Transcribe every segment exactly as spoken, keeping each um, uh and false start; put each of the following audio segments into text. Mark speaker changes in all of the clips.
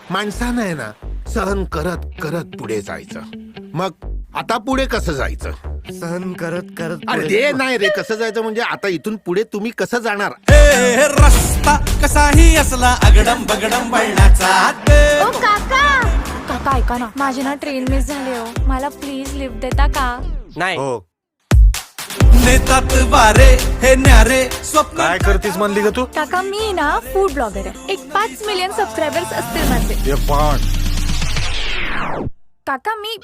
Speaker 1: माणसानं आहे ना सहन करत करत पुढे जायचं. मग आता पुढे कसं जायचं?
Speaker 2: सहन करत करत
Speaker 1: अरे ते नाही रे, कसं जायचं म्हणजे आता इथून पुढे तुम्ही कसं जाणार?
Speaker 3: ए रस्ता कसाही असला अगडम बगडम वळणाचा
Speaker 4: ओ काका काका ऐका ना, माझी ना ट्रेन मिस झाली हो, मला प्लीज लिफ्ट देता का?
Speaker 2: नाही
Speaker 1: हो.
Speaker 3: नेतात वारे हे न्यारे स्वप्न.
Speaker 5: काय करतीस म्हणली ग तू?
Speaker 4: काका मी ना फूड ब्लॉगर आहे, एक पाच मिलियन सबस्क्रायबर्स असतील माझे.
Speaker 5: हे पण
Speaker 4: काका मी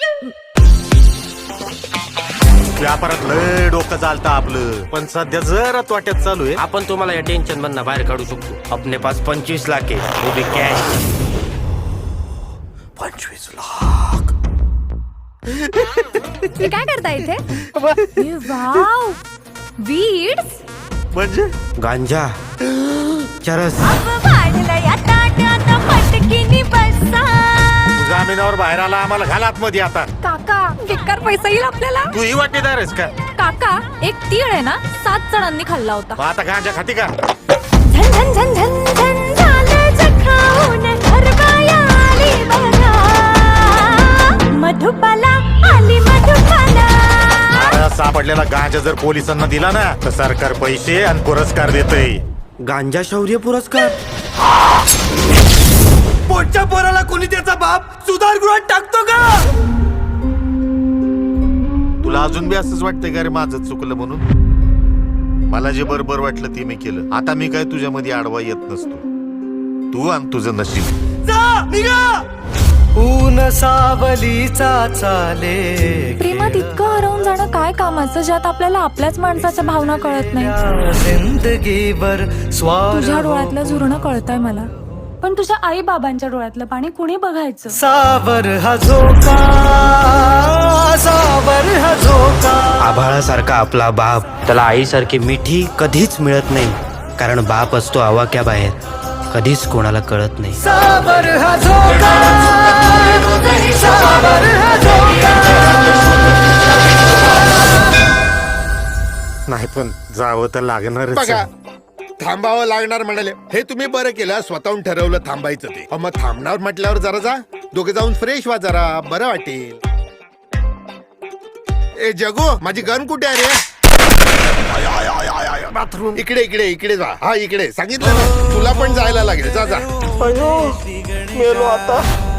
Speaker 5: व्यापारात लय डोकं चालतं आपलं, पण सध्या जरा तोट्यात चालू आहे.
Speaker 2: आपण तुम्हाला या टेन्शन मधनं बाहेर काढू शकतो. आपले पास पंचवीस लाख आहे, वो भी कॅश.
Speaker 5: पंचवीस लाख
Speaker 4: तुम्ही काय करता इथे? ए, वाव वीड्स
Speaker 5: म्हणजे
Speaker 2: गांजा चरस.
Speaker 5: जामिनावर बाहेर आला, आम्हाला घालात मध्ये आता.
Speaker 4: काका बेकार पैसा येईल आपल्याला.
Speaker 5: तू ही वाटेदार आहेस का?
Speaker 4: काका एक तीळ आहे ना सात जणांनी खाल्ला होता.
Speaker 5: मग आता गांजा खाती का?
Speaker 4: झन झन झन झन झन झालं जखाऊन घरबाया आली बघा, मधुबाला आली मधुबाला.
Speaker 5: अरे सापडलेला गांजा जर पोलिसांना दिला ना तर सरकार पैसे आणि पुरस्कार देतय.
Speaker 2: गांजा शौर्य पुरस्कार.
Speaker 3: पोटच्या पोराला कोणी त्याचा बाप सुधारगृहात टाकतो का?
Speaker 5: तुला अजून बी असंच वाटतंय का रे माझं चुकलं म्हणून? मला जे बरोबर वाटलं ते मी केलं. आता मी काय तुझ्यामध्ये आडवा येत नसतो. तू आणि तुझं नशीब.
Speaker 3: जा निघा. ऊन सावलीचा चाले
Speaker 4: प्रेमात इतकं हरवून जाणं काय कामाचं, ज्यात आपल्याला आपल्याच माणसाच्या भावना कळत नाही.
Speaker 3: जिंदगीवर स्वार
Speaker 4: तुझ्या डोळ्यातलं झुरणं कळतंय मला, पण तुझ्या आई बाबांच्या डोळ्यातलं पाणी कुणी बघायचं?
Speaker 3: सावर हा झोका, सावर हा झोका.
Speaker 2: आभाळासारखा आपला बाप, त्याला आईसारखी मिठी कधीच मिळत नाही, कारण बाप असतो आवाक्या बाहेर, कधीच कोणाला कळत नाही.
Speaker 3: सावर हा झोका, सावर हा झोका.
Speaker 5: नाही पण जावं तर लागणारच.
Speaker 1: बघा थांबावं लागणार म्हणाले, हे तुम्ही बरं केलं, स्वतःहून ठरवलं थांबायचं ते. अहो, मग थांबणार म्हटल्यावर जरा जा, दोघे जाऊन फ्रेश व्हा, जरा बरं वाटेल. ए जगू, माझी गन कुठे आहे रे?
Speaker 5: बाथरूम
Speaker 1: इकडे इकडे इकडे जा. हा इकडे सांगितलं ना, तुला पण जायला लागेल. जा जा.
Speaker 2: मेलो आता.